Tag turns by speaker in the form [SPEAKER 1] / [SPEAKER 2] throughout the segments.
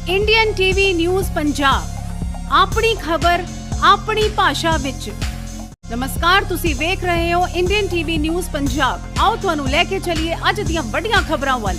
[SPEAKER 1] Indian TV news Punjab अपनी खबर अपनी भाषा विच। नमस्कार, तुसी वेख रहे हो इंडियन टीवी न्यूज़ पंजाब। आओ तुहानू लेके चलिए अज दियां वड्डियां खबरां वल।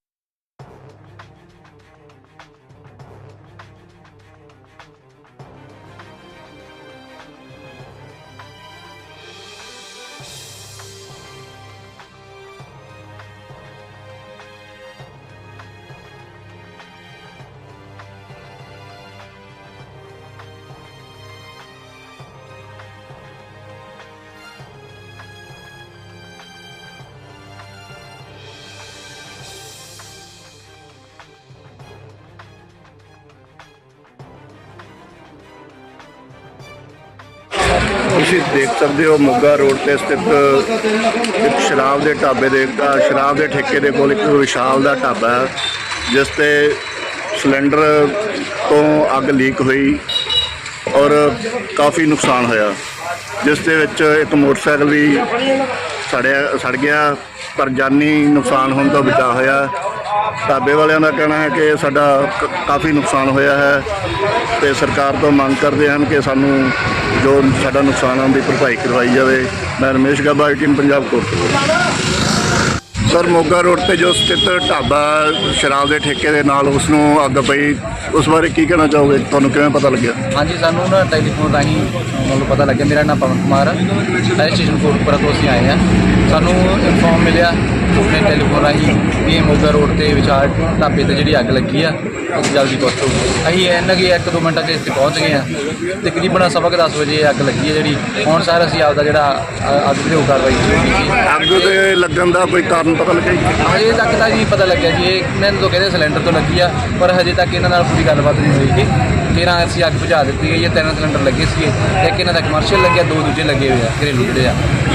[SPEAKER 2] ਤੁਸੀਂ ਦੇਖ ਸਕਦੇ ਹੋ ਮੋਗਾ ਰੋਡ ਤੇ ਸਥਿਤ ਇੱਕ ਸ਼ਰਾਬ ਦੇ ਢਾਬੇ ਦੇ ਸ਼ਰਾਬ ਦੇ ਠੇਕੇ ਦੇ ਕੋਲ ਇੱਕ ਵਿਸ਼ਾਲ ਦਾ ਢਾਬਾ ਹੈ, ਜਿਸ ਤੇ ਸਿਲੰਡਰ ਤੋਂ ਅੱਗ ਲੀਕ ਹੋਈ ਔਰ ਕਾਫੀ ਨੁਕਸਾਨ ਹੋਇਆ, ਜਿਸ ਦੇ ਵਿੱਚ ਇੱਕ ਮੋਟਰਸਾਈਕਲ ਵੀ ਸੜ ਗਿਆ, ਪਰ ਜਾਨੀ ਨੁਕਸਾਨ ਹੋਣ ਤੋਂ ਬਚਾ ਹੋਇਆ। ਢਾਬੇ ਵਾਲਿਆਂ ਦਾ ਕਹਿਣਾ ਹੈ ਕਿ ਸਾਡਾ ਕਾਫੀ ਨੁਕਸਾਨ ਹੋਇਆ ਹੈ ਤੇ ਸਰਕਾਰ ਤੋਂ ਮੰਗ ਕਰਦੇ ਹਨ ਕਿ ਸਾਨੂੰ ਜੋ ਸਾਡਾ ਨੁਕਸਾਨ ਦੀ ਭਰਪਾਈ ਕਰਵਾਈ ਜਾਵੇ। ਮੈਂ Ramesh Gabba, ITN Punjab Kot. Sir, Moga road ਤੇ ਜੋ ਸਥਿਤ ਢਾਬਾ ਸ਼ਰਾਬ ਦੇ ਠੇਕੇ ਦੇ ਨਾਲ ਉਸ ਨੂੰ ਅੱਗ ਪਈ, ਉਸ ਬਾਰੇ ਕੀ ਕਹਿਣਾ ਚਾਹੋਗੇ? ਤੁਹਾਨੂੰ ਕਿਵੇਂ ਪਤਾ ਲੱਗਿਆ?
[SPEAKER 3] ਹਾਂਜੀ, ਸਾਨੂੰ ਨਾ ਟੈਲੀਫੋਨ ਰਾਹੀਂ ਮੈਨੂੰ ਪਤਾ ਲੱਗਿਆ। ਮੇਰਾ ਨਾਮ ਪਵਨ ਕੁਮਾਰ ਹੈ, ਸਟੇਸ਼ਨ ਕੋਟਪੁਰਾ ਤੋਂ ਅਸੀਂ ਆਏ ਹਾਂ। ਸਾਨੂੰ ਇਨਫੋਰਮ ਮਿਲਿਆ ਆਪਣੇ ਟੈਲੀਫੋਨ ਰਾਹੀਂ ਵੀ ਮੋਗਾ ਰੋਡ ਤੇ ਵਿਚਾਰ ਢਾਬੇ ਤੇ ਜਿਹੜੀ ਅੱਗ ਲੱਗੀ ਆ ਅਸੀਂ ਜਲਦੀ ਪਹੁੰਚੋ। ਅਸੀਂ ਇਹਨਾਂ ਕਿ 1-2 ਮਿੰਟਾਂ 'ਚ ਇੱਥੇ ਪਹੁੰਚ ਗਏ ਹਾਂ। ਤਕਰੀਬਨ 10:15 ਵਜੇ ਅੱਗ ਲੱਗੀ ਹੈ ਜਿਹੜੀ। ਹੁਣ ਸਰ ਅਸੀਂ ਆਪਦਾ ਜਿਹੜਾ ਅੱਗ ਤੇ ਕਾਰਵਾਈ ਕੀਤੀ।
[SPEAKER 2] ਅੱਗ ਦੇ ਲੱਗਣ ਦਾ ਕੋਈ ਕਾਰਨ ਪਤਾ ਲੱਗਿਆ?
[SPEAKER 3] ਹਜੇ ਤੱਕ ਤਾਂ ਜੀ ਪਤਾ ਲੱਗਿਆ ਜੀ, ਇਹਨਾਂ ਨੂੰ ਕਹਿੰਦੇ ਸਿਲੰਡਰ ਤੋਂ ਲੱਗੀ ਆ, ਪਰ ਹਜੇ ਤੱਕ ਇਹਨਾਂ ਨਾਲ ਪੂਰੀ ਗੱਲਬਾਤ ਨਹੀਂ ਹੋਈ ਕਿ 13 ਅਸੀਂ ਅੱਗ ਬੁਝਾ ਦਿੱਤੀ ਗਈ ਹੈ। 3 ਸਿਲੰਡਰ ਲੱਗੇ ਸੀ, ਇੱਕ ਇਹਨਾਂ ਦਾ ਕਮਰਸ਼ੀਅਲ ਲੱਗਿਆ, 2 ਦੂਜੇ ਲੱਗੇ ਹੋਏ ਆ ਘਰੇਲੂ ਜਿਹੜੇ ਆ।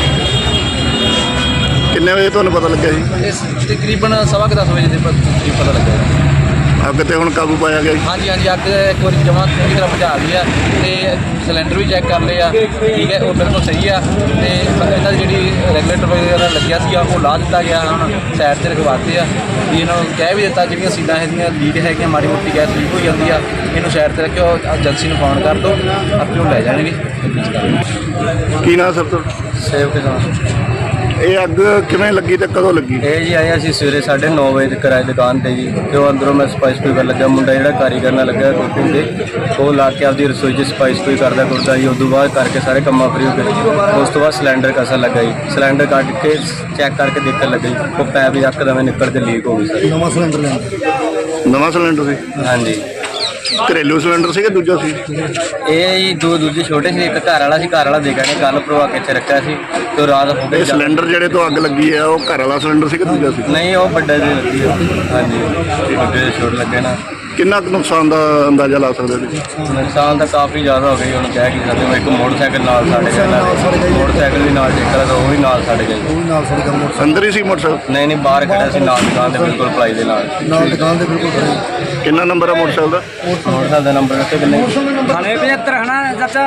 [SPEAKER 2] ਕਿੰਨੇ ਵਜੇ ਤੁਹਾਨੂੰ ਪਤਾ ਲੱਗਿਆ ਜੀ?
[SPEAKER 3] ਇਸ ਤਕਰੀਬਨ 10:15 ਵਜੇ ਦੇ ਕਰੀਬ ਪਤਾ ਲੱਗਿਆ।
[SPEAKER 2] ਅੱਗ ਤੇ ਹੁਣ ਕਾਬੂ ਪਾਇਆ ਗਿਆ ਜੀ?
[SPEAKER 3] ਹਾਂਜੀ, ਅੱਗ ਇੱਕ ਵਾਰੀ ਜਮਾਂ ਪੂਰੀ ਤਰ੍ਹਾਂ ਬੁਝਾ ਲਈ ਆ ਤੇ ਸਿਲੰਡਰ ਵੀ ਚੈੱਕ ਕਰ ਲਏ ਆ, ਠੀਕ ਹੈ, ਉਹ ਬਿਲਕੁਲ ਸਹੀ ਆ। ਤੇ ਇਹਨਾਂ ਦੀ ਜਿਹੜੀ ਰੈਗੂਲੇਟਰ ਵਗੈਰਾ ਲੱਗਿਆ ਸੀ ਉਹ ਲਾ ਦਿੱਤਾ ਗਿਆ, ਹੁਣ ਸਾਈਡ 'ਤੇ ਰਖਵਾਤੇ ਆ। ਵੀ ਇਹਨਾਂ ਨੂੰ ਕਹਿ ਵੀ ਦਿੱਤਾ ਜਿਹੜੀਆਂ ਸੀਟਾਂ ਹੈਗੀਆਂ ਲੀਕ ਹੈਗੀਆਂ, ਮਾੜੀ ਮੋਟੀ ਗੈਸ ਲੀਕ ਹੋਈ ਜਾਂਦੀ ਆ, ਇਹਨੂੰ ਸਾਈਡ 'ਤੇ ਰੱਖਿਓ, ਏਜੰਸੀ ਨੂੰ ਫੋਨ ਕਰ ਦਿਓ, ਆਪੇ ਉਹ ਲੈ ਜਾਣਗੇ।
[SPEAKER 2] ਕੀ ਨਾਮ ਸਰ?
[SPEAKER 3] ਸੇਵ ਕੇ
[SPEAKER 2] ਇਹ ਅੱਗ ਕਿਵੇਂ ਲੱਗੀ ਤੇ ਕਦੋਂ ਲੱਗੀ?
[SPEAKER 3] ਇਹ ਜੀ ਆਏ ਅਸੀਂ ਸਵੇਰੇ 9:30 ਵਜੇ ਕਿਰਾਏ ਦੁਕਾਨ ਤੇ ਜੀ, ਤੇ ਉਹ ਅੰਦਰੋਂ ਮੈਂ ਸਪਾਈਸ ਕੋਈ ਕਰਨ ਲੱਗਾ, ਮੁੰਡਾ ਜਿਹੜਾ ਕਾਰੀਗਰ ਨਾਲ ਲੱਗਾ ਕੁਕਿੰਗ ਦੇ, ਉਹ ਲਾ ਕੇ ਆਪਦੀ ਰਸੋਈ 'ਚ ਸਪਾਈਸ ਕੋਈ ਕਰਦਾ ਕੁਰਦਾ ਜੀ। ਉਸ ਤੋਂ ਬਾਅਦ ਕਰਕੇ ਸਾਰੇ ਕੰਮਾਂ ਫਰੀ ਹੋ ਗਏ। ਉਸ ਤੋਂ ਬਾਅਦ ਸਿਲੰਡਰ ਕਸਣ ਲੱਗਾ ਜੀ, ਸਿਲੰਡਰ ਕੱਢ ਕੇ ਚੈੱਕ ਕਰਕੇ ਦੇਖਣ ਲੱਗਾ ਜੀ, ਉਹ ਪੈਪ ਯਕਦਮ ਨਿਕਲ ਕੇ ਲੀਕ ਹੋ ਗਈ ਸਰ।
[SPEAKER 2] ਨਵਾਂ ਸਿਲੰਡਰ ਸੀ?
[SPEAKER 3] ਹਾਂਜੀ।
[SPEAKER 2] ਘਰੇਲੂ ਸਿਲੰਡਰ ਸੀ ਕਿ ਦੂਜਾ ਸੀ?
[SPEAKER 3] ਇਹ ਜੀ ਦੂਜੇ ਛੋਟੇ ਸੀ, ਇੱਕ ਘਰ ਵਾਲਾ ਸੀ, ਘਰ ਵਾਲਾ ਦੇਖਿਆ ਨੇ ਕੱਲ ਪ੍ਰਵਾ ਕੇ ਇੱਥੇ ਰੱਖਿਆ ਸੀ ਤੇ ਰਾਤ ਹੋ ਗਈ।
[SPEAKER 2] ਸਿਲੰਡਰ ਜਿਹੜੇ ਤੋਂ ਅੱਗ ਲੱਗੀ ਹੈ ਉਹ ਘਰ ਵਾਲਾ ਸਿਲੰਡਰ ਸੀ ਕਿ ਦੂਜਾ ਸੀ?
[SPEAKER 3] ਨਹੀਂ, ਉਹ ਵੱਡਾ ਜੀ ਲੱਗੀ ਹੈ। ਹਾਂਜੀ, ਵੱਡੇ ਛੋਟ ਲੱਗੇ ਨਾ।
[SPEAKER 2] ਕਿੰਨਾ ਕੁ ਨੁਕਸਾਨ ਦਾ ਅੰਦਾਜ਼ਾ ਲਾ ਸਕਦੇ ਤੁਸੀਂ?
[SPEAKER 3] ਨੁਕਸਾਨ ਤਾਂ ਕਾਫੀ ਜ਼ਿਆਦਾ ਹੋ ਗਈ, ਹੁਣ ਕਹਿ ਕੀ ਸਕਦੇ। ਇੱਕ ਮੋਟਰਸਾਈਕਲ ਨਾਲ ਸਾਡੇ ਗਿਆ, ਮੋਟਰਸਾਈਕਲ ਵੀ ਨਾਲ ਟੇਕਰ ਦਾ ਉਹ ਵੀ ਨਾਲ ਸਾਡੇ ਗਿਆ।
[SPEAKER 2] ਅੰਦਰ ਹੀ ਸੀ ਮੋਟਰਸਾਈਕਲ?
[SPEAKER 3] ਨਹੀਂ, ਬਾਹਰ ਖੜਿਆ ਸੀ ਨਾਲ ਦੁਕਾਨ ਦੇ ਬਿਲਕੁਲ ਪਲਾਈ ਦੇ ਨਾਲ
[SPEAKER 2] ਦੁਕਾਨ ਦੇ ਬਿਲਕੁਲ ਖੜੇ। ਕਿੰਨਾ ਨੰਬਰ ਹੈ ਮੋਟਰਸਾਈਕਲ ਦਾ?
[SPEAKER 3] ਮੋਟਰਸਾਈਕਲ ਦਾ ਨੰਬਰ ਕਿੱਥੇ ਕਿੰਨੇ?
[SPEAKER 4] 9575 ਹਨਾ ਚਾਚਾ?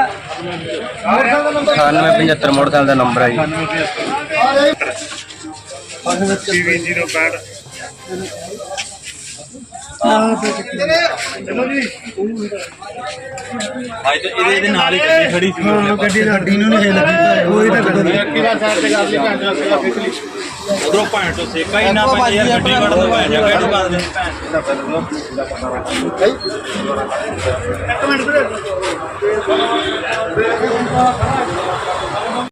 [SPEAKER 3] 9875 ਮੋਟਰਸਾਈਕਲ ਦਾ ਨੰਬਰ ਹੈ ਜੀ।
[SPEAKER 4] ਚਲੋ ਜੀ। ਅੱਜ ਤਾਂ ਇਹਦੇ ਨਾਲ ਹੀ ਗੱਡੀ ਖੜੀ ਸੀ। ਗੱਡੀ ਨੂੰ ਨਹੀਂ ਲੱਗੀ, ਕੋਈ ਤਾਂ ਕਿਹੜਾ ਸਾਈਡ ਤੇ ਕਰ ਲਈ ਭੈਣ ਚੋਂ ਉਧਰੋਂ ਭੈਣ ਤੋਂ ਸੇਕਾ ਹੀ ਨਾ ਪੈ ਯਾਰ, ਗੱਡੀ ਕੱਢ ਦੋ ਭੈਣ ਜਾ ਕਿਹਨੂੰ ਕਰ ਦੇ ਇੱਕ ਮਿੰਟ ਵੀਰੇ।